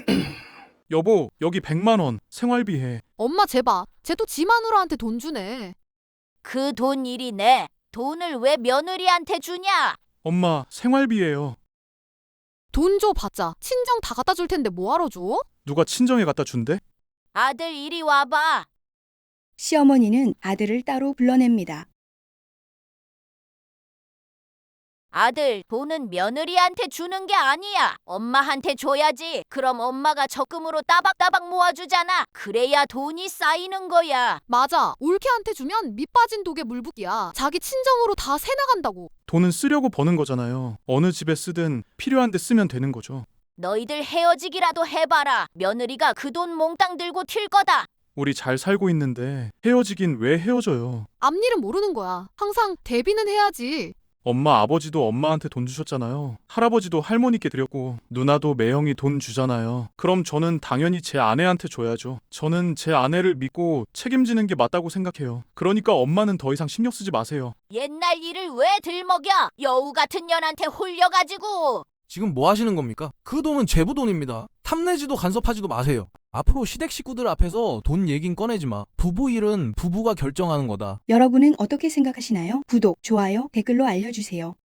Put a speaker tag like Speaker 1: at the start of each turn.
Speaker 1: 여보, 여기 100만 원 생활비해.
Speaker 2: 엄마 제발. 쟤 또 지 마누라한테 돈 주네.
Speaker 3: 그 돈 일이네. 돈을 왜 며느리한테 주냐?
Speaker 1: 엄마, 생활비예요.
Speaker 2: 돈 줘 봤자 친정 다 갖다 줄 텐데 뭐하러 줘?
Speaker 1: 누가 친정에 갖다 준대?
Speaker 3: 아들 이리 와봐.
Speaker 4: 시어머니는 아들을 따로 불러냅니다.
Speaker 3: 아들, 돈은 며느리한테 주는 게 아니야. 엄마한테 줘야지. 그럼 엄마가 적금으로 따박따박 모아주잖아. 그래야 돈이 쌓이는 거야.
Speaker 2: 맞아. 올케한테 주면 밑 빠진 독에 물 붓기야. 자기 친정으로 다 새 나간다고.
Speaker 1: 돈은 쓰려고 버는 거잖아요. 어느 집에 쓰든 필요한 데 쓰면 되는 거죠.
Speaker 3: 너희들 헤어지기라도 해봐라. 며느리가 그 돈 몽땅 들고 튈 거다.
Speaker 1: 우리 잘 살고 있는데 헤어지긴 왜 헤어져요?
Speaker 2: 앞일은 모르는 거야. 항상 대비는 해야지.
Speaker 1: 엄마 아버지도 엄마한테 돈 주셨잖아요. 할아버지도 할머니께 드렸고 누나도 매형이 돈 주잖아요. 그럼 저는 당연히 제 아내한테 줘야죠. 저는 제 아내를 믿고 책임지는 게 맞다고 생각해요. 그러니까 엄마는 더 이상 신경 쓰지 마세요.
Speaker 3: 옛날 일을 왜 들먹여? 여우 같은 년한테 홀려가지고.
Speaker 5: 지금 뭐 하시는 겁니까? 그 돈은 제부 돈입니다. 탐내지도 간섭하지도 마세요. 앞으로 시댁 식구들 앞에서 돈 얘긴 꺼내지 마. 부부 일은 부부가 결정하는 거다.
Speaker 4: 여러분은 어떻게 생각하시나요? 구독, 좋아요, 댓글로 알려주세요.